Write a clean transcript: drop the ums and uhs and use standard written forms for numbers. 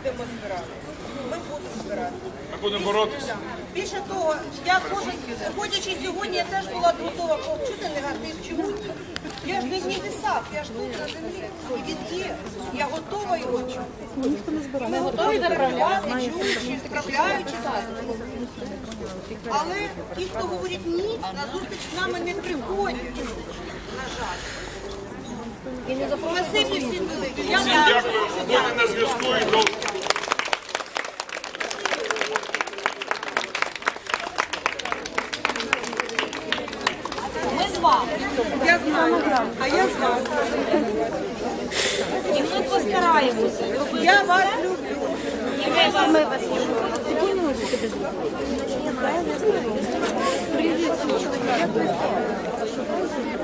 будемо збиратися. Ми будемо збиратися. Ми будемо боротися. Більше того, я ходячи сьогодні, я теж була готова повчути негатив. Чому? Я ж не десак, я ж тут на землі. І він є. Я готова його чути. Ми готові направляти, чуючи, справляючи. Але ті, хто говорить ні, на зустріч з нами не приходять. На жаль. Спасибі всім велике. Всім дякую. Будемо на зв'язку і до... Ми з вами. Я знаю, а я знаю. І ми постараємося. Я вас люблю. І ми вас любимо. Привіт.